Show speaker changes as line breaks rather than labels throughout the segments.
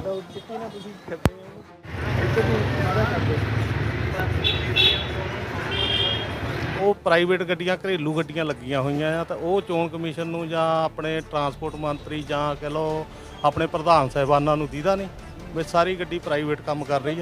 ਉਹ ਚਿੱਟੀ ਨਾਲ ਤੁਸੀਂ ਫਿਰਦੇ ਹੋ ਇੱਥੇ ਵੀ ਸਾਰਾ ਕਰਦੇ
ਉਹ ਪ੍ਰਾਈਵੇਟ ਗੱਡੀਆਂ ਘਰੇਲੂ ਗੱਡੀਆਂ ਲੱਗੀਆਂ ਹੋਈਆਂ ਆ ਤਾਂ ਉਹ ਚੋਣ ਕਮਿਸ਼ਨ ਨੂੰ ਜਾਂ ਆਪਣੇ ਟਰਾਂਸਪੋਰਟ ਮੰਤਰੀ ਜਾਂ ਕਹਿ ਲਓ ਆਪਣੇ ਪ੍ਰਧਾਨ ਸਾਹਿਬਾਨਾਂ ਨੂੰ ਦੀਦਾ ਨਹੀਂ ਵੀ ਸਾਰੀ ਗੱਡੀ ਪ੍ਰਾਈਵੇਟ ਕੰਮ ਕਰ ਰਹੀ ਆ।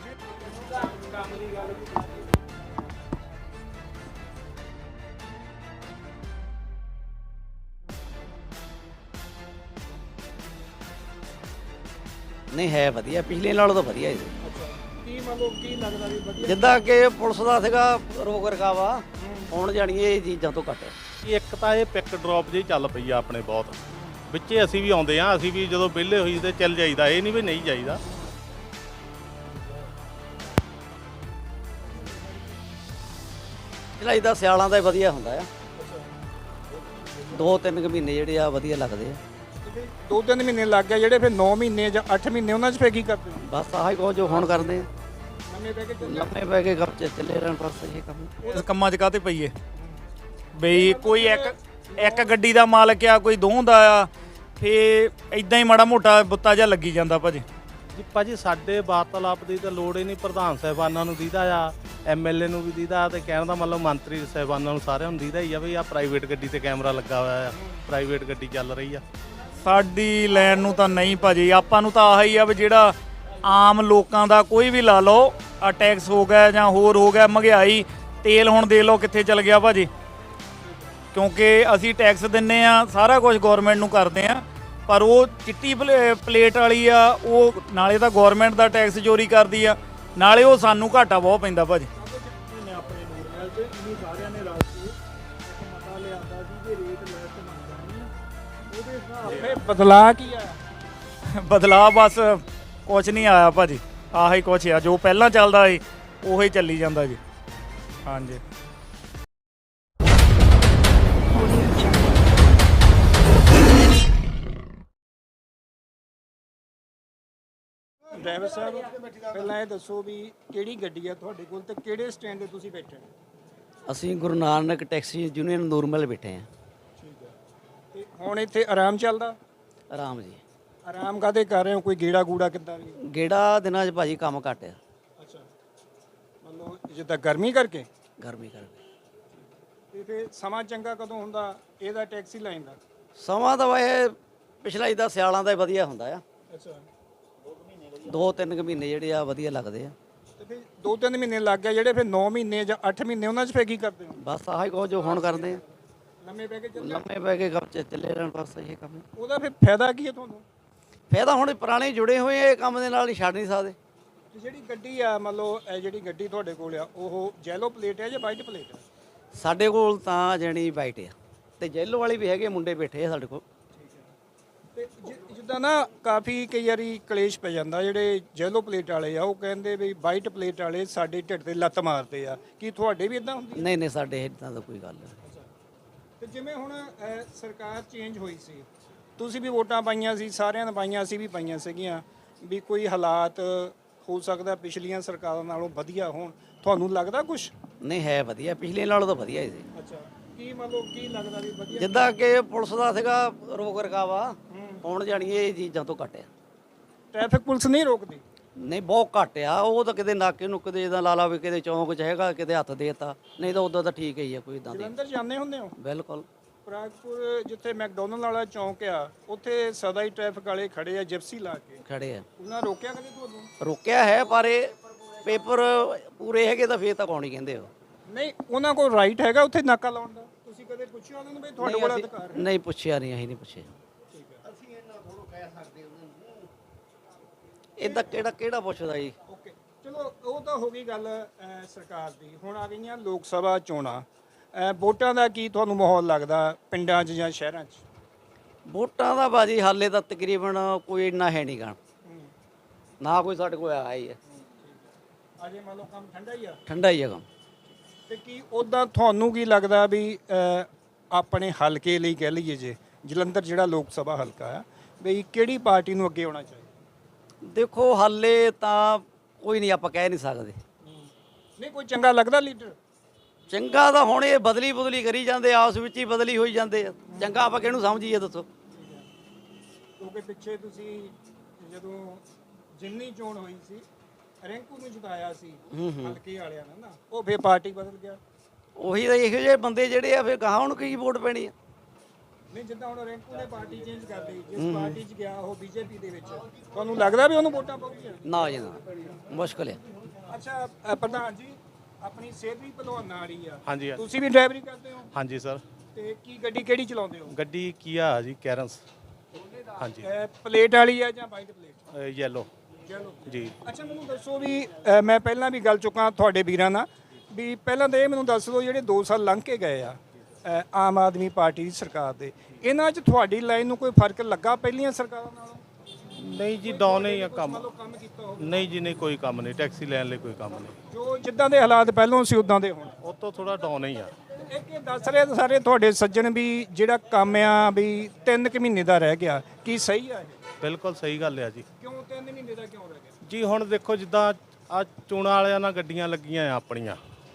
ਨਹੀਂ ਹੈ ਵਧੀਆ, ਪਿਛਲੇ ਨਾਲੋਂ ਤਾਂ ਵਧੀਆ ਜੀ।
ਕੀ ਮਤਲਬ ਕੀ ਲੱਗਦਾ ਵੀ ਵਧੀਆ
ਜਿੱਦਾਂ ਕਿ ਪੁਲਿਸ ਦਾ ਸੀਗਾ ਰੋਕ ਰਕਾਵਾ, ਹੁਣ ਜਾਣੀ ਇਹ ਚੀਜ਼ਾਂ ਤੋਂ ਘੱਟ ਹੈ।
ਇੱਕ ਤਾਂ ਇਹ ਪਿਕ ਡ੍ਰੌਪ ਜਿਹੀ ਚੱਲ ਪਈ ਆ ਆਪਣੇ ਬਹੁਤ ਵਿੱਚੇ, ਅਸੀਂ ਵੀ ਆਉਂਦੇ ਆ, ਅਸੀਂ ਵੀ ਜਦੋਂ ਵਿਹਲੇ ਹੋਈ ਤੇ ਚੱਲ ਜਾਈਦਾ, ਇਹ ਨਹੀਂ ਵੀ ਨਹੀਂ ਜਾਈਦਾ।
ਚਲਾਈ ਦਾ ਸਿਆਲਾਂ ਦਾ ਹੀ ਵਧੀਆ ਹੁੰਦਾ ਆ, 2-3 ਮਹੀਨੇ ਜਿਹੜੇ ਆ ਵਧੀਆ ਲੱਗਦੇ ਆ।
2-3 ਮਹੀਨੇ ਲੱਗ ਗਏ ਜਿਹੜੇ ਫਿਰ 9 ਮਹੀਨੇ ਜਾਂ 8 ਮਹੀਨੇ ਉਹਨਾਂ 'ਚ ਫੇਰ ਕੀ ਕਰਦੇ ਹੋ?
ਬਸ ਆਹੀ ਕੋ ਜੋ ਹੁਣ ਕਰਦੇ ਆ,
ਨਵੇਂ ਬਹਿ ਕੇ
ਲੰਮੇ ਪੈ ਕੇ ਗੱਪ ਚੱਲੇ ਰਹਿਣ, ਬਸ ਇਹ ਕੰਮ।
ਇਸ ਕੰਮਾਂ 'ਚ ਕਾਹਤੇ ਪਈਏ ਬਈ, ਕੋਈ ਇੱਕ ਗੱਡੀ ਦਾ ਮਾਲਕ ਆ, ਕੋਈ ਦੋ ਦਾ ਆ, ਫੇ ਇਦਾਂ ਹੀ ਮਾੜਾ ਮੋਟਾ ਬੁੱਤਾ ਜਿਹਾ ਲੱਗੀ ਜਾਂਦਾ ਭਾਜੀ।
ਜੀ ਭਾਜੀ ਸਾਡੇ ਵਾਰਤਾਲਾਪ ਦੀ ਤਾਂ ਲੋੜ ਹੀ ਨਹੀਂ, ਪ੍ਰਧਾਨ ਸਾਹਿਬਾਨਾਂ ਨੂੰ ਦੀਦਾ ਆ, ਐਮਐਲਏ ਨੂੰ ਵੀ ਦੀਦਾ, ਤੇ ਕਹਿਣ ਦਾ ਮਤਲਬ ਮੰਤਰੀ ਸਾਹਿਬਾਨਾਂ ਨੂੰ ਸਾਰਿਆਂ ਨੂੰ ਦੀਦਾ ਹੀ ਆ ਵੀ ਆ ਪ੍ਰਾਈਵੇਟ ਗੱਡੀ ਤੇ ਕੈਮਰਾ ਲੱਗਾ ਹੋਇਆ ਆ, ਪ੍ਰਾਈਵੇਟ ਗੱਡੀ ਚੱਲ ਰਹੀ ਆ।
ਸਾਡੀ ਲੈਣ ਨੂੰ ਤਾਂ ਨਹੀਂ ਭਾਜੀ, ਆਪਾਂ ਨੂੰ ਤਾਂ ਆਹੀ ਆ ਵੀ ਜਿਹੜਾ ਆਮ ਲੋਕਾਂ ਦਾ ਕੋਈ ਵੀ ਲਾ ਲਓ, ਆ ਟੈਕਸ ਹੋ ਗਿਆ ਜਾਂ ਹੋਰ ਹੋ ਗਿਆ, ਮਹਿੰਗਾਈ, ਤੇਲ ਹੁਣ ਦੇ ਲਓ ਕਿੱਥੇ ਚਲ ਗਿਆ ਭਾਜੀ, ਕਿਉਂਕਿ ਅਸੀਂ ਟੈਕਸ ਦਿੰਨੇ ਆ, ਸਾਰਾ ਕੁਝ ਗਵਰਨਮੈਂਟ ਨੂੰ ਕਰਦੇ ਆ, ਪਰ ਉਹ ਚਿੱਟੀ ਪਲੇਟ ਵਾਲੀ ਆ, ਉਹ ਨਾਲੇ ਤਾਂ ਗਵਰਨਮੈਂਟ ਦਾ ਟੈਕਸ ਚੋਰੀ ਕਰਦੀ ਆ, ਨਾਲੇ ਉਹ ਸਾਨੂੰ ਘਾਟਾ ਬਹੁਤ ਪੈਂਦਾ ਭਾਜੀ।
ਆਪਣੇ ਨੂਰਮਹਿਲ 'ਚ ਇਹ ਸਾਰਿਆਂ ਨੇ ਰਲ ਕੇ ਇੱਕ ਮਤਾ ਲਿਆਂਦਾ ਸੀ ਕਿ ਰੇਟ ਲੈਸ ਮੰਗਦਾ ਨਹੀਂ, ਉਹਦੇ ਹਿਸਾਬ ਨਾਲ ਬਦਲਾਅ ਕੀ ਆਇਆ?
ਬਦਲਾਅ ਬਸ ਕੁਛ ਨਹੀਂ ਆਇਆ ਭਾਜੀ, ਆਹੀ ਕੁਛ ਆ ਜੋ ਪਹਿਲਾਂ ਚੱਲਦਾ ਸੀ ਉਹੀ ਚੱਲੀ ਜਾਂਦਾ ਜੀ। ਹਾਂਜੀ
ਡਰਾਈਵਰ ਸਾਹਿਬ ਪਹਿਲਾਂ ਇਹ ਦੱਸੋ ਵੀ ਕਿਹੜੀ ਗੱਡੀ ਆ ਤੁਹਾਡੇ ਕੋਲ ਤੇ ਕਿਹੜੇ ਸਟੈਂਡ ਤੇ ਤੁਸੀਂ ਬੈਠੇ ਹੋ?
ਅਸੀਂ ਗੁਰੂ ਨਾਨਕ ਟੈਕਸੀ ਯੂਨੀਅਨ ਨੂਰਮਹਿਲ ਬੈਠੇ ਆ।
ਠੀਕ ਹੈ, ਤੇ ਹੁਣ ਇੱਥੇ ਆਰਾਮ ਚੱਲਦਾ?
ਆਰਾਮ ਜੀ।
ਆਰਾਮ ਕਾਹਦੇ ਕਰ ਰਹੇ ਹੋ? ਕੋਈ ਗੇੜਾ ਗੂੜਾ ਕਿੱਦਾਂ ਵੀ?
ਗੇੜਾ ਦਿਨਾਂ 'ਚ ਭਾਜੀ ਕੰਮ ਘੱਟ ਆ,
ਅੱਛਾ, ਮਤਲਬ ਜਿੱਦਾਂ ਗਰਮੀ ਕਰਕੇ?
ਗਰਮੀ ਕਰਕੇ।
ਤੇ ਫਿਰ ਸਮਾਂ ਚੰਗਾ ਕਦੋਂ ਹੁੰਦਾ ਇਹਦਾ ਟੈਕਸੀ ਲਾਈਨ ਦਾ?
ਸਮਾਂ ਤਾਂ ਇਹ ਪਿਛਲਾ ਇਹਦਾ ਸਿਆਲਾਂ ਦਾ ਹੀ ਵਧੀਆ ਹੁੰਦਾ ਆ,
ਅੱਛਾ,
2-3 ਮਹੀਨੇ ਜਿਹੜੇ ਆ ਵਧੀਆ ਲੱਗਦੇ ਆ।
ਤੇ ਫਿਰ 2-3 ਮਹੀਨੇ ਲੱਗ ਗਏ ਜਿਹੜੇ ਫਿਰ 9 ਮਹੀਨੇ ਜਾਂ 8 ਮਹੀਨੇ ਉਹਨਾਂ 'ਚ ਫੇਰ ਕੀ ਕਰਦੇ ਹੋ?
ਬਸ ਆਹੀ ਕੋ ਜੋ ਹੁਣ ਕਰਦੇ ਆ,
ਲੰਮੇ ਬਹਿ ਕੇ ਚੱਲਦੇ?
ਲੰਮੇ ਪੈ ਕੇ ਗੱਪ ਚੱਲੇ ਰਹਿਣ, ਬਸ ਇਹ ਕੰਮ।
ਉਹਦਾ ਫਿਰ ਫਾਇਦਾ ਕੀ ਹੈ ਤੁਹਾਨੂੰ?
ਫਾਇਦਾ ਹੁਣ ਪੁਰਾਣੇ ਜੁੜੇ ਹੋਏ ਆ, ਇਹ ਕੰਮ ਦੇ ਨਾਲ ਨਹੀਂ ਛੱਡ ਨਹੀਂ ਸਕਦੇ।
ਤੇ ਜਿਹੜੀ ਗੱਡੀ ਆ ਮਤਲਬ ਇਹ ਜਿਹੜੀ ਗੱਡੀ ਤੁਹਾਡੇ ਕੋਲ ਆ ਉਹ ਜੈਲੋ ਪਲੇਟ ਹੈ ਜਾਂ ਵਾਈਟ ਪਲੇਟ ਹੈ?
ਸਾਡੇ ਕੋਲ ਤਾਂ ਜਣੀ ਵਾਈਟ ਆ, ਤੇ ਜੈਲੋ ਵਾਲੀ ਵੀ ਹੈਗੇ, ਮੁੰਡੇ ਬੈਠੇ ਆ ਸਾਡੇ ਕੋਲ।
ਤੇ ਜਿੱਦਾਂ ਨਾ ਕਾਫੀ ਕਈ ਵਾਰੀ ਕਲੇਸ਼ ਪੈ ਜਾਂਦਾ, ਜਿਹੜੇ ਜੈਲੋ ਪਲੇਟ ਵਾਲੇ ਆ ਉਹ ਕਹਿੰਦੇ ਵੀ ਵਾਈਟ ਪਲੇਟ ਵਾਲੇ ਸਾਡੇ ਢਿੱਡ ਤੇ ਲੱਤ ਮਾਰਦੇ ਆ, ਕੀ ਤੁਹਾਡੇ ਵੀ ਇਦਾਂ ਹੁੰਦੀ?
ਨਹੀਂ ਨਹੀਂ, ਸਾਡੇ ਇਦਾਂ ਦਾ ਕੋਈ ਗੱਲ ਨਹੀਂ।
ਤੇ ਜਿਵੇਂ ਹੁਣ ਸਰਕਾਰ ਚੇਂਜ ਹੋਈ ਸੀ, ਤੁਸੀਂ ਵੀ ਵੋਟਾਂ ਪਾਈਆਂ ਸੀ, ਸਾਰਿਆਂ ਨੇ ਪਾਈਆਂ, ਅਸੀਂ ਵੀ ਪਾਈਆਂ ਸੀਗੀਆਂ, ਵੀ ਕੋਈ ਹਾਲਾਤ ਹੋ ਸਕਦਾ ਪਿਛਲੀਆਂ ਸਰਕਾਰਾਂ ਨਾਲੋਂ ਵਧੀਆ ਹੋਣ, ਤੁਹਾਨੂੰ ਲੱਗਦਾ ਕੁਝ?
ਨਹੀਂ ਹੈ ਵਧੀਆ, ਪਿਛਲੇ ਨਾਲੋਂ ਤਾਂ ਵਧੀਆ ਹੀ ਸੀ।
ਅੱਛਾ, ਕੀ ਮਤਲਬ ਕੀ ਲੱਗਦਾ ਵੀ ਵਧੀਆ?
ਜਿੱਦਾਂ ਕਿ ਪੁਲਿਸ ਦਾ ਸੀਗਾ ਰੋਕ ਰਕਾਵਾ, ਹੁਣ ਜਾਣੀ ਇਹ ਚੀਜ਼ਾਂ ਤੋਂ ਘੱਟ ਆ।
ਟ੍ਰੈਫਿਕ ਪੁਲਿਸ ਨਹੀਂ ਰੋਕਦੀ?
ਨਹੀਂ ਬਹੁਤ ਘੱਟ ਆ, ਉਹ ਤਾਂ ਕਿਤੇ ਨਾਕੇ ਨੁੱਕੇ ਦੇ ਜਿੱਦਾਂ ਲਾਲਾ ਵੀ ਕਿਤੇ ਚੌਂਕ 'ਚ ਹੈਗਾ, ਕਿਤੇ ਹੱਥ ਦੇਤਾ, ਨਹੀਂ ਤਾਂ ਉਦੋਂ ਤਾਂ ਠੀਕ ਹੀ ਆ, ਕੋਈ ਇਦਾਂ ਦੀ।
ਜਲੰਧਰ ਜਾਂਦੇ ਹੁੰਦੇ ਹੋ?
ਬਿਲਕੁਲ।
ਪ੍ਰਾਗਪੁਰ ਜਿੱਥੇ ਮੈਕਡੋਨਲਡ ਵਾਲਾ ਚੌਂਕ ਆ, ਉੱਥੇ ਸਦਾ ਹੀ ਟ੍ਰੈਫਿਕ ਵਾਲੇ ਖੜੇ ਆ ਜਿਪਸੀ ਲਾ ਕੇ,
ਖੜੇ ਆ।
ਉਹਨਾਂ ਰੋਕਿਆ ਕਦੇ ਤੁਹਾਨੂੰ?
ਰੋਕਿਆ ਹੈ, ਪਰ ਇਹ ਪੇਪਰ ਪੂਰੇ ਹੈਗੇ ਤਾਂ ਫੇਰ ਤਾਂ ਕੌਣ ਹੀ ਕਹਿੰਦੇ ਹੋ।
ਨਹੀਂ, ਉਹਨਾਂ ਕੋਲ ਰਾਈਟ ਹੈਗਾ ਉੱਥੇ ਨਾਕਾ ਲਾਉਣ ਦਾ? ਤੁਸੀਂ ਕਦੇ ਪੁੱਛਿਆ ਉਹਨਾਂ ਨੂੰ ਵੀ ਤੁਹਾਡੇ ਕੋਲ ਅਧਿਕਾਰ ਹੈ?
ਨਹੀਂ ਪੁੱਛਿਆ, ਨਹੀਂ ਅਸੀਂ ਨਹੀਂ ਪੁੱਛਿਆ। ਇਹਦਾ ਕਿਹੜਾ ਪੁੱਛਦਾ ਜੀ?
ਓਕੇ, ਚਲੋ ਉਹ ਤਾਂ ਹੋ ਗਈ ਗੱਲ ਸਰਕਾਰ ਦੀ। ਹੁਣ ਆ ਗਈਆਂ ਲੋਕ ਸਭਾ ਚੋਣਾਂ, ਵੋਟਾਂ ਦਾ ਕੀ ਤੁਹਾਨੂੰ ਮਾਹੌਲ ਲੱਗਦਾ ਪਿੰਡਾਂ 'ਚ ਜਾਂ ਸ਼ਹਿਰਾਂ 'ਚ?
ਵੋਟਾਂ ਦਾ ਬਾਜੀ ਹਾਲੇ ਤਾਂ ਤਕਰੀਬਨ ਕੋਈ ਇੰਨਾ ਹੈ ਨਹੀਂ ਗਾ, ਨਾ ਕੋਈ ਸਾਡੇ ਕੋਲ ਆਇਆ ਹੀ ਹੈ।
ਅਜੇ ਮੰਨ ਲਓ ਕੰਮ ਠੰਡਾ ਹੀ ਆ?
ਠੰਡਾ ਹੀ ਹੈ ਕੰਮ।
ਤੇ ਕੀ ਉੱਦਾਂ ਤੁਹਾਨੂੰ ਕੀ ਲੱਗਦਾ ਵੀ ਆਪਣੇ ਹਲਕੇ ਲਈ ਕਹਿ ਲਈਏ, ਜੇ ਜਲੰਧਰ ਜਿਹੜਾ ਲੋਕ ਸਭਾ ਹਲਕਾ ਆ, ਵੀ ਕਿਹੜੀ ਪਾਰਟੀ ਨੂੰ ਅੱਗੇ ਆਉਣਾ ਚਾਹੀਦਾ?
ਦੇਖੋ ਹਾਲੇ ਤਾਂ ਕੋਈ ਨਹੀਂ, ਆਪਾਂ ਕਹਿ ਨਹੀਂ ਸਕਦੇ।
ਨਹੀਂ, ਕੋਈ ਚੰਗਾ ਲੱਗਦਾ ਲੀਡਰ?
ਚੰਗਾ ਤਾਂ ਹੁਣ ਇਹ ਬਦਲੀ ਕਰੀ ਜਾਂਦੇ, ਆਪਸ ਵਿੱਚ ਹੀ ਬਦਲੀ ਹੋਈ ਜਾਂਦੇ ਆ। ਚੰਗਾ ਆਪਾਂ ਕਿਹਨੂੰ ਸਮਝੀਏ ਦੱਸੋ?
ਕਿਉਂਕਿ ਪਿੱਛੇ ਤੁਸੀਂ ਜਦੋਂ ਜਿੰਨੀ ਚੋਣ ਹੋਈ ਸੀ ਰਿੰਕੂ ਨੂੰ ਜਿਤਾਇਆ ਸੀ ਹਲਕੇ ਵਾਲਿਆਂ ਨੇ ਨਾ, ਉਹ ਫੇਰ ਪਾਰਟੀ ਬਦਲ ਗਿਆ।
ਉਹੀ ਤਾਂ ਇਹੋ ਜਿਹੇ ਬੰਦੇ ਜਿਹੜੇ ਆ ਫਿਰ ਗਾਹਾਂ ਹੁਣ ਕੀ ਵੋਟ ਪੈਣੀ ਆ।
ਨਹੀਂ ਜਿੱਦਾਂ ਹੁਣ ਰਿੰਕੂ ਨੇ ਪਾਰਟੀ ਚੇਂਜ ਕਰ ਲਈ, ਜਿਸ ਪਾਰਟੀ 'ਚ ਗਿਆ ਉਹ ਬੀਜੇਪੀ ਦੇ ਵਿੱਚ, ਤੁਹਾਨੂੰ ਲੱਗਦਾ ਵੀ ਉਹਨੂੰ ਵੋਟਾਂ ਪਾਉਣਗੀਆਂ?
ਨਾ ਜੀ ਨਾ, ਮੁਸ਼ਕਲ ਆ।
ਅੱਛਾ ਪ੍ਰਧਾਨ ਜੀ, ਆਪਣੀ ਸਿਹਤ ਵੀ ਭਲਵਾਨਾਂ ਵਾਲੀ ਆ,
ਹਾਂਜੀ
ਤੁਸੀਂ ਵੀ ਡਰਾਈਵਰੀ ਕਰਦੇ ਹੋ
ਹਾਂਜੀ ਸਰ।
ਤੇ ਕੀ ਗੱਡੀ ਕਿਹੜੀ ਚਲਾਉਂਦੇ ਹੋ?
ਗੱਡੀ ਕੀਆ ਜੀ ਕੈਰਨਸ। ਹਾਂਜੀ
ਪਲੇਟ ਵਾਲੀ ਆ ਜਾਂ ਵਾਈਟ ਪਲੇਟ?
ਯੈਲੋ
ਚਲੋ
ਜੀ।
ਅੱਛਾ ਮੈਨੂੰ ਦੱਸੋ ਵੀ ਮੈਂ ਪਹਿਲਾਂ ਵੀ ਗੱਲ ਚੁੱਕਾ ਤੁਹਾਡੇ ਵੀਰਾਂ ਨਾਲ ਵੀ ਪਹਿਲਾਂ ਤਾਂ ਇਹ ਮੈਨੂੰ ਦੱਸ ਦਿਓ ਜਿਹੜੇ 2 ਸਾਲ ਲੰਘ ਕੇ ਗਏ ਆ ਆਮ ਆਦਮੀ ਪਾਰਟੀ ਦੀ ਸਰਕਾਰ ਦੇ, ਇਹਨਾਂ 'ਚ ਤੁਹਾਡੀ ਲਾਈਨ ਨੂੰ ਕੋਈ ਫਰਕ ਲੱਗਾ ਪਹਿਲੀਆਂ ਸਰਕਾਰਾਂ ਨਾਲੋਂ?
ਨਹੀਂ ਜੀ ਡਾਊਨ ਹੀ ਆ ਕੰਮ।
ਮੰਨ ਲਓ ਕੰਮ ਕੀਤਾ ਹੋਵੇ
ਨਹੀਂ ਜੀ ਨਹੀਂ, ਕੋਈ ਕੰਮ ਨਹੀਂ, ਟੈਕਸੀ ਲੈਣ ਲਈ ਕੋਈ ਕੰਮ ਨਹੀਂ।
ਜੋ ਜਿੱਦਾਂ ਦੇ ਹਾਲਾਤ ਪਹਿਲਾਂ ਸੀ ਉਦਾਂ ਦੇ ਹੁਣ?
ਉਹ ਤੋਂ ਥੋੜਾ ਡਾਊਨ ਹੀ ਆ।
ਇੱਕ ਇਹ ਦੱਸ ਰਹੇ ਸਾਰੇ ਤੁਹਾਡੇ ਸੱਜਣ ਵੀ ਜਿਹੜਾ ਕੰਮ ਆ ਵੀ 3 ਕੁ ਮਹੀਨੇ ਦਾ ਰਹਿ ਗਿਆ, ਕੀ ਸਹੀ ਆ ਇਹ?
ਬਿਲਕੁਲ ਸਹੀ ਗੱਲ ਆ ਜੀ।
ਕਿਉਂ 3 ਮਹੀਨੇ ਦਾ ਕਿਉਂ ਰਹਿ ਗਿਆ?
ਜੀ ਹੁਣ ਦੇਖੋ ਜਿੱਦਾਂ ਆ ਚੋਣਾਂ ਵਾਲਿਆਂ ਨਾਲ ਗੱਡੀਆਂ ਲੱਗੀਆਂ ਆ ਆਪਣੀਆਂ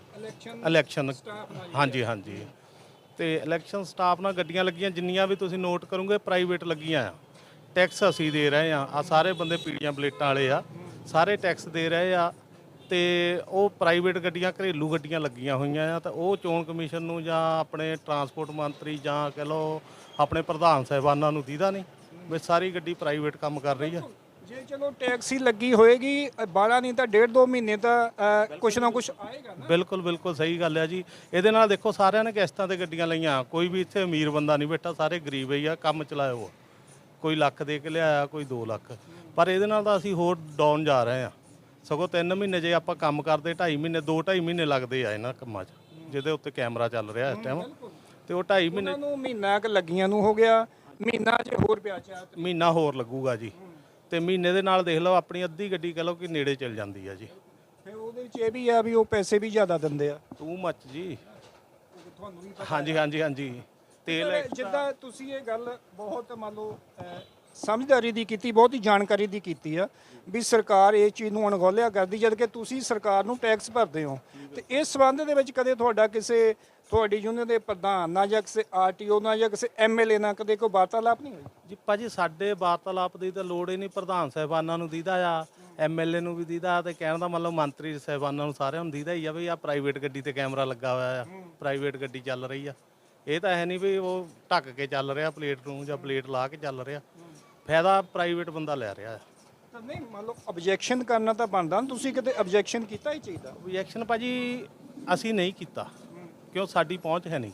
ਇਲੈਕਸ਼ਨ। ਹਾਂਜੀ ਹਾਂਜੀ, ਤੇ ਇਲੈਕਸ਼ਨ ਸਟਾਫ ਨਾਲ ਗੱਡੀਆਂ ਲੱਗੀਆਂ ਜਿੰਨੀਆਂ ਵੀ ਤੁਸੀਂ ਨੋਟ ਕਰੋਗੇ ਪ੍ਰਾਈਵੇਟ ਲੱਗੀਆਂ ਆ। ਟੈਕਸ ਅਸੀਂ ਦੇ ਰਹੇ ਆ ਸਾਰੇ ਬੰਦੇ ਪੀੜੀਆਂ ਪਲੇਟਾਂ ਵਾਲੇ ਆ, ਸਾਰੇ ਟੈਕਸ ਦੇ ਰਹੇ ਆ। ਤੇ ਉਹ ਪ੍ਰਾਈਵੇਟ ਗੱਡੀਆਂ ਘਰੇਲੂ ਗੱਡੀਆਂ ਲੱਗੀਆਂ ਹੋਈਆਂ ਆ, ਤਾਂ ਉਹ ਚੋਣ ਕਮਿਸ਼ਨ ਨੂੰ ਜਾਂ ਆਪਣੇ ਟਰਾਂਸਪੋਰਟ ਮੰਤਰੀ ਜਾਂ ਕਹ ਲਓ ਆਪਣੇ ਪ੍ਰਧਾਨ ਸਾਹਿਬਾਨਾਂ ਨੂੰ ਦੀਦਾ ਨਹੀਂ ਵੀ ਸਾਰੀ ਗੱਡੀ ਪ੍ਰਾਈਵੇਟ ਕੰਮ ਕਰ ਰਹੀ ਆ।
ਜੇ ਚਲੋ ਟੈਕਸੀ ਲੱਗੀ ਹੋਏਗੀ ਬਾਲਾ ਨਹੀਂ ਤਾਂ 1.5-2 ਮਹੀਨੇ ਤਾਂ ਕੁਛ ਨਾ ਕੁਛ ਆਏਗਾ ਨਾ।
ਬਿਲਕੁਲ ਬਿਲਕੁਲ ਸਹੀ ਗੱਲ ਆ ਜੀ। ਇਹਦੇ ਨਾਲ ਦੇਖੋ ਸਾਰਿਆਂ ਨੇ ਕਿਸ਼ਤਾਂ ਤੇ ਗੱਡੀਆਂ ਲਈਆਂ, ਕੋਈ ਵੀ ਇੱਥੇ ਅਮੀਰ ਬੰਦਾ ਨਹੀਂ ਬੈਠਾ, ਸਾਰੇ ਗਰੀਬ ਹੀ ਆ। ਕੰਮ ਚਲਾਇਆ ਉਹ ਕੋਈ ਲੱਖ ਦੇ ਕੇ ਲਿਆਇਆ, ਕੋਈ 2 ਲੱਖ। ਪਰ ਇਹਦੇ ਨਾਲ ਤਾਂ ਅਸੀਂ ਹੋਰ ਡਾਊਨ ਜਾ ਰਹੇ ਆ। ਸਗੋਂ 3 ਮਹੀਨੇ ਜੇ ਆਪਾਂ ਕੰਮ ਕਰਦੇ 2.5 ਮਹੀਨੇ 2-2.5 ਮਹੀਨੇ ਲੱਗਦੇ ਆ ਇਹਨਾਂ ਕੰਮਾਂ 'ਚ, ਜਿਹਦੇ ਉੱਤੇ ਕੈਮਰਾ ਚੱਲ ਰਿਹਾ ਇਸ ਟਾਈਮ। ਤੇ ਉਹ 2.5 ਮਹੀਨੇ
ਨੂੰ ਮਹੀਨਾ ਕ ਲੱਗੀਆਂ ਨੂੰ ਹੋ ਗਿਆ, ਮਹੀਨਾ ਚ ਹੋਰ ਪਿਆ ਚਾਹ
ਮਹੀਨਾ ਹੋਰ ਲੱਗੂਗਾ ਜੀ। ਤੇ ਮਹੀਨੇ ਦੇ ਨਾਲ ਦੇਖ ਲਓ ਆਪਣੀ ਅੱਧੀ ਗੱਡੀ ਕਹ ਲਓ ਕਿ ਨੇੜੇ ਚੱਲ ਜਾਂਦੀ ਆ ਜੀ।
ਫਿਰ ਉਹਦੇ ਵਿੱਚ ਇਹ ਵੀ ਆ ਵੀ ਉਹ ਪੈਸੇ ਵੀ ਜ਼ਿਆਦਾ ਦਿੰਦੇ ਆ
ਟੂ ਮੱਚ ਜੀ।
ਤੁਹਾਨੂੰ ਵੀ
ਹਾਂਜੀ ਹਾਂਜੀ ਹਾਂਜੀ। ਤੇਲ
ਜਿੱਦਾਂ ਤੁਸੀਂ ਇਹ ਗੱਲ ਬਹੁਤ ਮੰਨ ਲਓ ਸਮਝਦਾਰੀ ਦੀ ਕੀਤੀ, ਬਹੁਤ ਹੀ ਜਾਣਕਾਰੀ ਦੀ ਕੀਤੀ ਆ ਵੀ ਸਰਕਾਰ ਇਹ ਚੀਜ਼ ਨੂੰ ਅਣਗੌਲਿਆ ਕਰਦੀ, ਜਦ ਕਿ ਤੁਸੀਂ ਸਰਕਾਰ ਨੂੰ ਟੈਕਸ ਭਰਦੇ ਹੋ। ਤੇ ਇਸ ਸੰਬੰਧ ਦੇ ਵਿੱਚ ਕਦੇ ਤੁਹਾਡਾ ਕਿਸੇ ਤੁਹਾਡੀ ਯੂਨੀਅਨ ਦੇ ਪ੍ਰਧਾਨ ਨਾਲ ਜਾਂ ਕਿਸੇ ਆਰਟੀਓ ਨਾਲ ਜਾਂ ਕਿਸੇ ਐਮਐਲਏ ਨਾਲ ਕਦੇ ਕੋਈ ਵਾਰਤਾਲਾਪ ਨਹੀਂ ਹੋਈ?
ਜੀ ਭਾਜੀ ਸਾਡੇ ਵਾਰਤਾਲਾਪ ਦੀ ਤਾਂ ਲੋੜ ਹੀ ਨਹੀਂ। ਪ੍ਰਧਾਨ ਸਾਹਿਬਾਨਾਂ ਨੂੰ ਦੀਦਾ ਆ, ਐਮਐਲਏ ਨੂੰ ਵੀ ਦੀਦਾ, ਤੇ ਕਹਿਣ ਦਾ ਮਤਲਬ ਮੰਤਰੀ ਸਾਹਿਬਾਨਾਂ ਨੂੰ ਸਾਰਿਆਂ ਨੂੰ ਦੀਦਾ ਹੀ ਆ ਵੀ ਆ ਪ੍ਰਾਈਵੇਟ ਗੱਡੀ ਤੇ ਕੈਮਰਾ ਲੱਗਾ ਹੋਇਆ ਆ, ਪ੍ਰਾਈਵੇਟ ਗੱਡੀ ਚੱਲ ਰਹੀ ਆ। ਇਹ ਤਾਂ ਹੈ ਨਹੀਂ ਵੀ ਉਹ ਢੱਕ ਕੇ ਚੱਲ ਰਿਹਾ ਪਲੇਟ ਨੂੰ ਜਾਂ ਪਲੇਟ ਲਾ ਕੇ ਚੱਲ ਰਿਹਾ। ਫਾਇਦਾ ਪ੍ਰਾਈਵੇਟ ਬੰਦਾ ਲੈ ਰਿਹਾ।
ਤਾਂ ਨਹੀਂ ਮੰਨ ਲਓ ਆਬਜੈਕਸ਼ਨ ਕਰਨਾ ਤਾਂ ਬਣਦਾ, ਤੁਸੀਂ ਕਿਤੇ ਆਬਜੈਕਸ਼ਨ ਕੀਤਾ ਹੀ ਚਾਹੀਦਾ।
ਆਬਜੈਕਸ਼ਨ ਭਾਜੀ ਅਸੀਂ ਨਹੀਂ ਕੀਤਾ, ਕਿਉਂ ਸਾਡੀ ਪਹੁੰਚ ਹੈ ਨਹੀਂ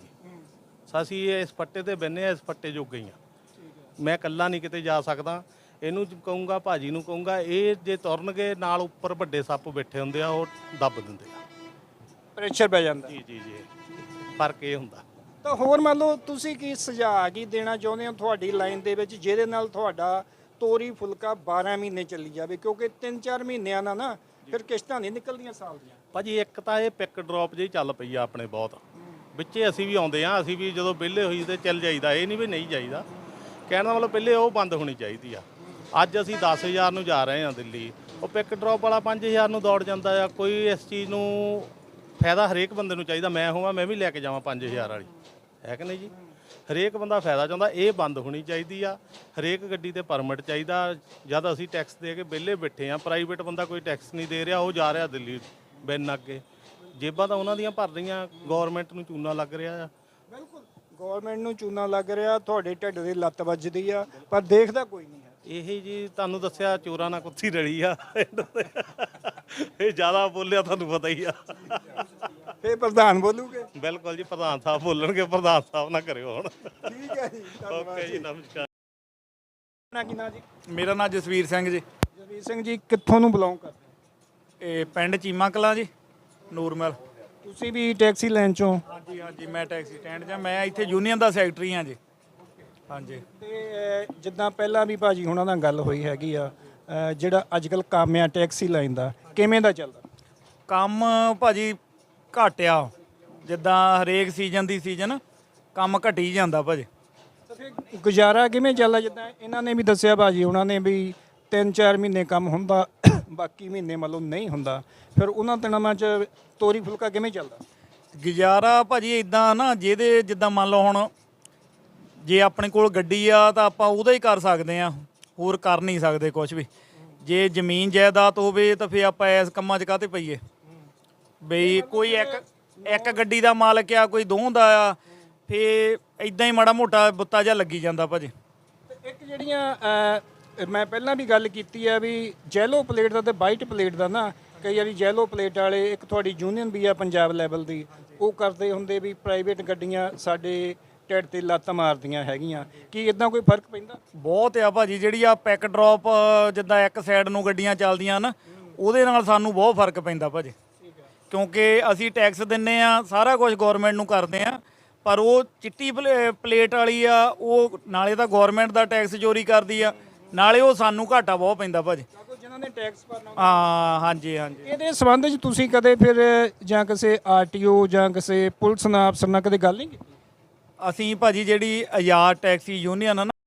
ਗੀ। ਅਸੀਂ ਇਸ ਪੱਟੇ ਤੇ ਬੈਠੇ ਆ, ਇਸ ਪੱਟੇ ਜੋਗੇ ਹੀ ਆ। ਮੈਂ ਇਕੱਲਾ ਨਹੀਂ ਕਿਤੇ ਜਾ ਸਕਦਾ। ਇਹਨੂੰ ਕਹੂੰਗਾ, ਭਾਜੀ ਨੂੰ ਕਹੂੰਗਾ, ਇਹ ਜੇ ਤੁਰਨਗੇ ਨਾਲ ਉੱਪਰ ਵੱਡੇ ਸੱਪ ਬੈਠੇ ਹੁੰਦੇ ਆ, ਉਹ ਦੱਬ ਦਿੰਦੇ ਆ,
ਪ੍ਰੈਸ਼ਰ ਪੈ ਜਾਂਦਾ।
ਜੀ ਜੀ ਜੀ, ਫਰਕ ਇਹ ਹੁੰਦਾ।
ਤਾਂ ਹੋਰ ਮੰਨ ਲਓ ਤੁਸੀਂ ਕੀ ਸੁਝਾਅ ਕੀ ਦੇਣਾ ਚਾਹੁੰਦੇ ਹੋ ਤੁਹਾਡੀ ਲਾਈਨ ਦੇ ਵਿੱਚ, ਜਿਹਦੇ ਨਾਲ ਤੁਹਾਡਾ ਤੋਰੀ ਫੁਲਕਾ 12 ਮਹੀਨੇ ਚੱਲੀ ਜਾਵੇ? ਕਿਉਂਕਿ 3-4 ਮਹੀਨਿਆਂ ਨਾਲ ਨਾ ਫਿਰ ਕਿਸ਼ਤਾਂ ਨਹੀਂ ਨਿਕਲਦੀਆਂ ਸਾਲ ਦੀਆਂ।
ਭਾਜੀ ਇੱਕ ਤਾਂ ਇਹ ਪਿਕ ਡ੍ਰੌਪ ਜਿਹੀ ਚੱਲ ਪਈ ਆ ਆਪਣੇ ਬਹੁਤ, ਵਿੱਚੇ ਅਸੀਂ ਵੀ ਆਉਂਦੇ ਆ, ਅਸੀਂ ਵੀ ਜਦੋਂ ਵਿਹਲੇ ਹੋਈ ਤੇ ਚੱਲ ਜਾਈਦਾ, ਇਹ ਨਹੀਂ ਵੀ ਨਹੀਂ ਜਾਈਦਾ। ਕਹਿਣ ਦਾ ਮਤਲਬ ਪਹਿਲੇ ਉਹ ਬੰਦ ਹੋਣੀ ਚਾਹੀਦੀ ਆ। ਅੱਜ ਅਸੀਂ 10,000 ਨੂੰ ਜਾ ਰਹੇ ਹਾਂ ਦਿੱਲੀ, ਉਹ ਪਿਕ ਡ੍ਰੌਪ ਵਾਲਾ 5,000 ਨੂੰ ਦੌੜ ਜਾਂਦਾ ਆ। ਕੋਈ ਇਸ ਚੀਜ਼ ਨੂੰ ਫਾਇਦਾ ਹਰੇਕ ਬੰਦੇ ਨੂੰ ਚਾਹੀਦਾ। ਮੈਂ ਹੋਵਾਂ ਮੈਂ ਵੀ ਲੈ ਕੇ ਜਾਵਾਂ 5,000 ਵਾਲੀ, ਹੈ ਕਿ ਨਹੀਂ ਜੀ? ਹਰੇਕ ਬੰਦਾ ਫਾਇਦਾ ਚਾਹੁੰਦਾ। ਇਹ ਬੰਦ ਹੋਣੀ ਚਾਹੀਦੀ ਆ। ਹਰੇਕ ਗੱਡੀ ਤੇ ਪਰਮਿਟ ਚਾਹੀਦਾ। ਜਦ ਅਸੀਂ ਟੈਕਸ ਦੇ ਕੇ ਵਿਹਲੇ ਬੈਠੇ ਆ, ਪ੍ਰਾਈਵੇਟ ਬੰਦਾ ਕੋਈ ਟੈਕਸ ਨਹੀਂ ਦੇ ਰਿਹਾ, ਉਹ ਜਾ ਰਿਹਾ ਦਿੱਲੀ ਬਿਨ ਅੱਗੇ। ਜੇਬਾਂ ਤਾਂ ਉਹਨਾਂ ਦੀਆਂ ਭਰ ਰਹੀਆਂ, ਗਵਰਨਮੈਂਟ ਨੂੰ ਚੂਨਾ ਲੱਗ ਰਿਹਾ ਆ।
ਬਿਲਕੁਲ ਗਵਰਨਮੈਂਟ ਨੂੰ ਚੂਨਾ ਲੱਗ ਰਿਹਾ, ਤੁਹਾਡੇ ਢਿੱਡ ਦੀ ਲੱਤ ਵੱਜਦੀ ਆ, ਪਰ ਦੇਖਦਾ ਕੋਈ ਨਹੀਂ ਹੈ।
ਇਹ ਜੀ ਤੁਹਾਨੂੰ ਦੱਸਿਆ ਚੋਰਾਂ ਨਾਲ ਕੁੱਤੀ ਰਲੀ ਆ। ਇਹ ਜ਼ਿਆਦਾ ਬੋਲਿਆ ਤੁਹਾਨੂੰ ਪਤਾ ਹੀ ਆ।
ਫੇਰ ਪ੍ਰਧਾਨ ਬੋਲੂਗੇ?
ਬਿਲਕੁਲ ਜੀ, ਪ੍ਰਧਾਨ ਸਾਹਿਬ ਬੋਲਣਗੇ। ਪ੍ਰਧਾਨ ਸਾਹਿਬ ਨਾ ਕਰਿਓ ਹੁਣ।
ਠੀਕ ਹੈ ਜੀ,
ਓਕੇ ਜੀ, ਨਮਸਕਾਰ।
ਕੀ ਨਾਂ ਜੀ?
ਮੇਰਾ ਨਾਮ ਜਸਵੀਰ ਸਿੰਘ ਜੀ।
ਜਸਵੀਰ ਸਿੰਘ ਜੀ ਕਿੱਥੋਂ ਨੂੰ ਬਿਲੋਂਗ ਕਰਦੇ ਹੋ?
ਇਹ ਪਿੰਡ ਚੀਮਾ ਕਲਾਂ ਜੀ, ਨੂਰਮਲ।
ਤੁਸੀਂ ਵੀ ਟੈਕਸੀ ਲਾਈਨ ਚੋਂ?
ਹਾਂਜੀ ਹਾਂਜੀ, ਮੈਂ ਟੈਕਸੀ ਸਟੈਂਡ 'ਚ, ਮੈਂ ਇੱਥੇ ਯੂਨੀਅਨ ਦਾ ਸੈਕਟਰੀ ਹਾਂ ਜੀ। ਹਾਂਜੀ।
ਤੇ ਜਿੱਦਾਂ ਪਹਿਲਾਂ ਵੀ ਭਾਜੀ ਹੁਣਾਂ ਨਾਲ ਗੱਲ ਹੋਈ ਹੈਗੀ ਆ, ਜਿਹੜਾ ਅੱਜ ਕੱਲ੍ਹ ਕੰਮ ਆ ਟੈਕਸੀ ਲਾਈਨ ਦਾ, ਕਿਵੇਂ ਦਾ ਚੱਲਦਾ
ਕੰਮ? ਭਾਜੀ ਘੱਟ ਆ, ਜਿੱਦਾਂ ਹਰੇਕ ਸੀਜ਼ਨ ਦੀ ਸੀਜ਼ਨ ਕੰਮ ਘਟੀ ਜਾਂਦਾ ਭਾਜੀ।
ਤਾਂ ਫਿਰ ਗੁਜ਼ਾਰਾ ਕਿਵੇਂ ਚੱਲਦਾ? ਜਿੱਦਾਂ ਇਹਨਾਂ ਨੇ ਵੀ ਦੱਸਿਆ ਭਾਜੀ ਉਹਨਾਂ ਨੇ ਵੀ 3-4 ਮਹੀਨੇ ਕੰਮ ਹੁੰਦਾ, ਬਾਕੀ ਮਹੀਨੇ ਮਤਲਬ ਨਹੀਂ ਹੁੰਦਾ, ਫਿਰ ਉਹਨਾਂ ਦਿਨਾਂ 'ਚ ਤੋਰੀ ਫੁਲਕਾ ਕਿਵੇਂ ਚੱਲਦਾ?
ਗੁਜ਼ਾਰਾ ਭਾਜੀ ਇਦਾਂ ਨਾ, ਜਿਹਦੇ ਜਿੱਦਾਂ ਮੰਨ ਲਓ ਹੁਣ ਜੇ ਆਪਣੇ ਕੋਲ ਗੱਡੀ ਆ ਤਾਂ ਆਪਾਂ ਉਹਦਾ ਹੀ ਕਰ ਸਕਦੇ ਆ। ਹੋਰ ਕਰ ਨਹੀਂ ਸਕਦੇ ਕੁਝ ਵੀ। ਜੇ ਜ਼ਮੀਨ ਜਾਇਦਾਦ ਹੋਵੇ ਤਾਂ ਫੇ ਆਪਾਂ ਇਸ ਕੰਮਾਂ 'ਚ ਕਾਹਤੇ ਪਈਏ ਬਈ ਕੋਈ ਇੱਕ ਗੱਡੀ ਦਾ ਮਾਲਕ ਆ, ਕੋਈ ਦੋ ਦਾ ਆ, ਫੇ ਇਦਾਂ ਹੀ ਮਾੜਾ ਮੋਟਾ ਬੁੱਤਾ ਜਿਹਾ ਲੱਗੀ ਜਾਂਦਾ ਭਾਜੀ।
ਤੇ ਇੱਕ ਜਿਹੜੀਆਂ ਮੈਂ ਪਹਿਲਾਂ ਵੀ ਗੱਲ ਕੀਤੀ ਆ ਵੀ ਜੈਲੋ ਪਲੇਟ ਦਾ ਤੇ ਵਾਈਟ ਪਲੇਟ ਦਾ ਨਾ, ਕਈ ਵਾਰੀ ਜੈਲੋ ਪਲੇਟ ਵਾਲੇ, ਇੱਕ ਤੁਹਾਡੀ ਯੂਨੀਅਨ ਵੀ ਆ ਪੰਜਾਬ ਲੈਵਲ ਦੀ, ਉਹ ਕਰਦੇ ਹੁੰਦੇ ਵੀ ਪ੍ਰਾਈਵੇਟ ਗੱਡੀਆਂ ਸਾਡੇ ਢਿੱਡ ਤੇ ਲੱਤ ਮਾਰਦੀਆਂ ਹੈਗੀਆਂ, ਕੀ ਇਦਾਂ ਕੋਈ ਫਰਕ ਪੈਂਦਾ?
ਬਹੁਤ ਆ ਭਾਜੀ, ਜਿਹੜੀ ਆ ਪੈਕ ਡ੍ਰੌਪ ਜਿੱਦਾਂ ਇੱਕ ਸਾਈਡ ਨੂੰ ਗੱਡੀਆਂ ਚੱਲਦੀਆਂ ਨਾ, ਉਹਦੇ ਨਾਲ ਸਾਨੂੰ ਬਹੁਤ ਫਰਕ ਪੈਂਦਾ ਭਾਜੀ, ਕਿਉਂਕਿ ਅਸੀਂ ਟੈਕਸ ਦਿੰਨੇ ਆ, ਸਾਰਾ ਕੁਝ ਗਵਰਨਮੈਂਟ ਨੂੰ ਕਰਦੇ ਆ, ਪਰ ਉਹ ਚਿੱਟੀ ਪਲੇਟ ਵਾਲੀ ਆ, ਉਹ ਨਾਲੇ ਤਾਂ ਗਵਰਨਮੈਂਟ ਦਾ ਟੈਕਸ ਚੋਰੀ ਕਰਦੀ ਆ, ਨਾਲੇ ਉਹ ਸਾਨੂੰ ਘਾਟਾ ਬਹੁਤ ਪੈਂਦਾ ਭਾਜੀ।
ਜਿਨ੍ਹਾਂ ਨੇ ਟੈਕਸ ਭਰਨਾ।
ਹਾਂ, ਹਾਂਜੀ ਹਾਂਜੀ।
ਇਹਦੇ ਸੰਬੰਧ 'ਚ ਤੁਸੀਂ ਕਦੇ ਫਿਰ ਜਾਂ ਕਿਸੇ ਆਰਟੀਓ ਜਾਂ ਕਿਸੇ ਪੁਲਿਸ ਨਾਲ ਅਫਸਰ ਨਾਲ ਕਦੇ ਗੱਲ ਨਹੀਂ ਕੀਤੀ?
ਅਸੀਂ ਭਾਜੀ ਜਿਹੜੀ ਆਜ਼ਾਦ ਟੈਕਸੀ ਯੂਨੀਅਨ ਆ ਨਾ,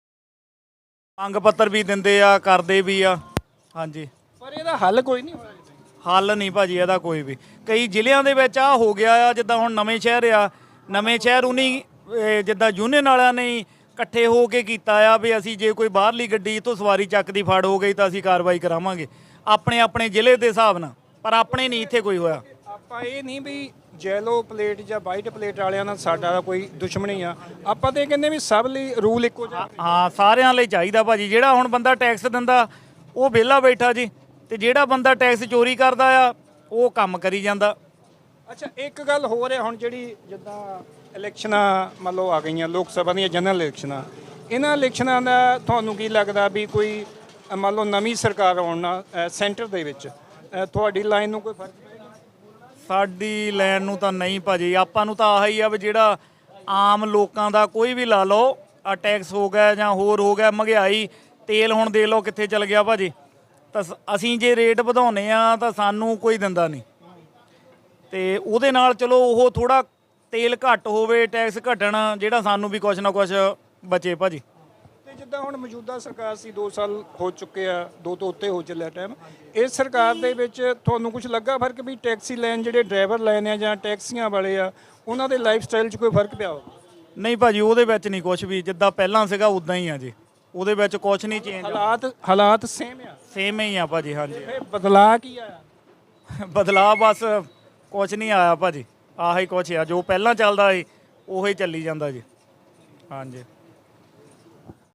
ਮੰਗ ਪੱਤਰ ਵੀ ਦਿੰਦੇ ਆ, ਕਰਦੇ ਵੀ ਆ, ਹਾਂਜੀ।
ਪਰ ਇਹਦਾ ਹੱਲ ਕੋਈ ਨਹੀਂ ਹੋਇਆ।
ਹੱਲ ਨਹੀਂ ਭਾਜੀ ਇਹਦਾ ਕੋਈ ਵੀ। ਕਈ ਜ਼ਿਲ੍ਹਿਆਂ ਦੇ ਵਿੱਚ ਆ ਹੋ ਗਿਆ ਆ, ਜਿੱਦਾਂ ਹੁਣ ਨਵੇਂ ਸ਼ਹਿਰ ਆ, ਨਵੇਂ ਸ਼ਹਿਰ ਉਨੀ ਜਿੱਦਾਂ ਯੂਨੀਅਨ ਵਾਲਿਆਂ ਨੇ ਇਕੱਠੇ ਹੋ ਕੇ ਕੀਤਾ ਆ ਵੀ ਅਸੀਂ ਜੇ ਕੋਈ ਬਾਹਰਲੀ ਗੱਡੀ ਤੋਂ ਸਵਾਰੀ ਚੱਕਦੀ ਫੜ ਹੋ ਗਈ ਤਾਂ ਅਸੀਂ ਕਾਰਵਾਈ ਕਰਾਵਾਂਗੇ ਆਪਣੇ ਆਪਣੇ ਜ਼ਿਲ੍ਹੇ ਦੇ ਹਿਸਾਬ ਨਾਲ, ਪਰ ਆਪਣੇ ਨਹੀਂ ਇੱਥੇ ਕੋਈ ਹੋਇਆ।
ਆਪਾਂ ਇਹ ਨਹੀਂ ਵੀ ਜੈਲੋ ਪਲੇਟ ਜਾਂ ਵਾਈਟ ਪਲੇਟ ਵਾਲਿਆਂ ਨਾਲ ਸਾਡਾ ਕੋਈ ਦੁਸ਼ਮਣੀ ਆ, ਆਪਾਂ ਤੇ ਇਹ ਕਹਿੰਦੇ ਵੀ ਸਭ ਲਈ ਰੂਲ ਇੱਕੋ ਜਿਹਾ।
ਹਾਂ, ਸਾਰਿਆਂ ਲਈ ਚਾਹੀਦਾ ਭਾਜੀ। ਜਿਹੜਾ ਹੁਣ ਬੰਦਾ ਟੈਕਸ ਦਿੰਦਾ ਉਹ ਵਿਹਲਾ ਬੈਠਾ ਜੀ, ਤੇ ਜਿਹੜਾ ਬੰਦਾ ਟੈਕਸ ਚੋਰੀ ਕਰਦਾ ਆ ਉਹ ਕੰਮ ਕਰੀ ਜਾਂਦਾ।
ਅੱਛਾ, ਇੱਕ ਗੱਲ ਹੋਰ ਹੈ, ਹੁਣ ਜਿਹੜੀ ਜਿੱਦਾਂ ਇਲੈਕਸ਼ਨਾਂ ਮੰਨ ਲਓ ਆ ਗਈਆਂ, ਲੋਕ ਸਭਾ ਦੀਆਂ ਜਨਰਲ ਇਲੈਕਸ਼ਨਾਂ, ਇਹਨਾਂ ਇਲੈਕਸ਼ਨਾਂ ਦਾ ਤੁਹਾਨੂੰ ਕੀ ਲੱਗਦਾ ਵੀ ਕੋਈ ਮੰਨ ਲਓ ਨਵੀਂ ਸਰਕਾਰ ਆਉਣ ਨਾਲ ਸੈਂਟਰ ਦੇ ਵਿੱਚ ਤੁਹਾਡੀ ਲਾਈਨ ਨੂੰ ਕੋਈ ਫਰਕ ਪਏਗਾ?
ਸਾਡੀ ਲੈਣ ਨੂੰ ਤਾਂ ਨਹੀਂ ਭਾਜੀ, ਆਪਾਂ ਨੂੰ ਤਾਂ ਆਹੀ ਆ ਵੀ ਜਿਹੜਾ ਆਮ ਲੋਕਾਂ ਦਾ ਕੋਈ ਵੀ ਲਾ ਲਓ, ਆ ਟੈਕਸ ਹੋ ਗਿਆ ਜਾਂ ਹੋਰ ਹੋ ਗਿਆ, ਮਹਿੰਗਾਈ, ਤੇਲ ਹੁਣ ਦੇਖ ਲਓ ਕਿੱਥੇ ਚਲ ਗਿਆ ਭਾਜੀ, ਤਾਂ ਅਸੀਂ ਜੇ ਰੇਟ ਵਧਾਉਨੇ ਆ ਤਾਂ ਸਾਨੂੰ ਕੋਈ ਦਿੰਦਾ ਨਹੀਂ, ਤੇ ਉਹਦੇ ਨਾਲ ਚਲੋ ਉਹ ਥੋੜਾ ਤੇਲ ਘੱਟ ਹੋਵੇ, ਟੈਕਸ ਘਟਣ, ਜਿਹੜਾ ਸਾਨੂੰ ਵੀ ਕੁਛ ਨਾ ਕੁਛ ਬਚੇ ਭਾਜੀ।
ਤੇ ਜਿੱਦਾਂ ਹੁਣ ਮੌਜੂਦਾ ਸਰਕਾਰ ਸੀ, 2 ਸਾਲ ਹੋ ਚੁੱਕੇ ਆ, 2 ਤੋਂ ਉੱਤੇ ਹੋ ਚੱਲਿਆ ਟਾਈਮ, ਇਸ ਸਰਕਾਰ ਦੇ ਵਿੱਚ ਤੁਹਾਨੂੰ ਕੁਝ ਲੱਗਾ ਫਰਕ ਵੀ ਟੈਕਸੀ ਲਾਈਨ ਜਿਹੜੇ ਡਰਾਈਵਰ ਲਾਈਨ ਆ ਜਾਂ ਟੈਕਸੀਆਂ ਵਾਲੇ ਆ, ਉਹਨਾਂ ਦੇ ਲਾਈਫ ਸਟਾਈਲ 'ਚ ਕੋਈ ਫਰਕ ਪਿਆ ਹੋਵੇ?
ਨਹੀਂ ਭਾਜੀ, ਉਹਦੇ ਵਿੱਚ ਨਹੀਂ ਕੁਛ ਵੀ, ਜਿੱਦਾਂ ਪਹਿਲਾਂ ਸੀਗਾ ਉਦਾਂ ਹੀ ਆ ਜੀ, ਉਹਦੇ ਵਿੱਚ ਕੁਛ ਨਹੀਂ ਚੇਂਜ।
ਹਾਲਾਤ ਸੇਮ ਆ?
ਸੇਮ ਹੀ ਆ ਭਾਜੀ, ਹਾਂਜੀ।
ਇਹ ਬਦਲਾਅ ਕੀ ਆਇਆ?
ਬਦਲਾਅ ਬਸ ਕੁਛ ਨਹੀਂ ਆਇਆ ਭਾਜੀ, ਆਹੀ ਕੁਛ ਆ, ਜੋ ਪਹਿਲਾਂ ਚੱਲਦਾ ਸੀ ਉਹੀ ਚੱਲੀ ਜਾਂਦਾ ਜੀ, ਹਾਂਜੀ।